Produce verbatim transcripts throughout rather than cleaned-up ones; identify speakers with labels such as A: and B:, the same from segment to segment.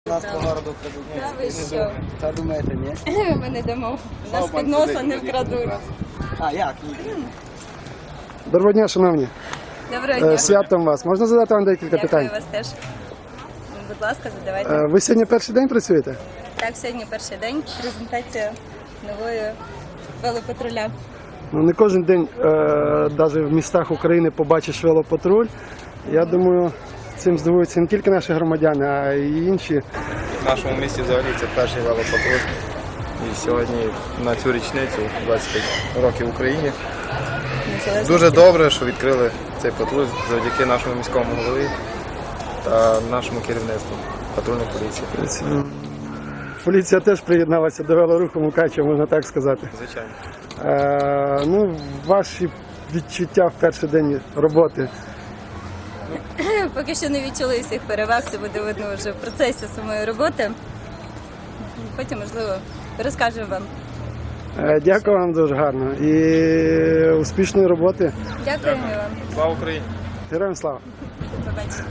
A: Нас по городу крадуть.
B: Та ви що?
A: Та думаєте, ні?
B: Ми не дамо. Нас під носа не вкрадуть.
A: А, як?
C: Доброго дня, шановні.
B: Доброго
C: Е,
B: дня.
C: Святом вас. Можна задати вам декілька
B: Дякую
C: питань?
B: вас теж. Будь ласка, задавайте.
C: Е, Ви сьогодні перший день працюєте?
B: Так, сьогодні перший день. Презентація нової велопатруля.
C: Ну, не кожен день, навіть в містах України, побачиш велопатруль. Я думаю, цим здивуються не тільки наші громадяни, а й інші.
D: В нашому місті взагалі це перший велопатруль. І сьогодні на цю річницю двадцять п'ять років Україні. Дуже добре, що відкрили цей патруль завдяки нашому міському голові та нашому керівництву патрульної поліції.
C: Тобто, поліція теж приєдналася до велоруху Мукачева, можна так сказати.
D: Звичайно.
C: Е, ну, ваші відчуття в перший день роботи.
B: Поки що не відчули всіх переваг, це буде видно вже в процесі самої роботи. Потім, можливо, розкажемо вам.
C: Е, дякую вам дуже гарно і успішної роботи.
B: Дякуємо вам.
D: Слава Україні!
C: Героям слава!
B: До побачення.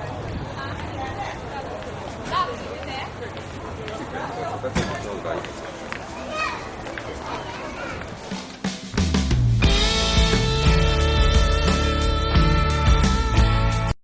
E: Thank you.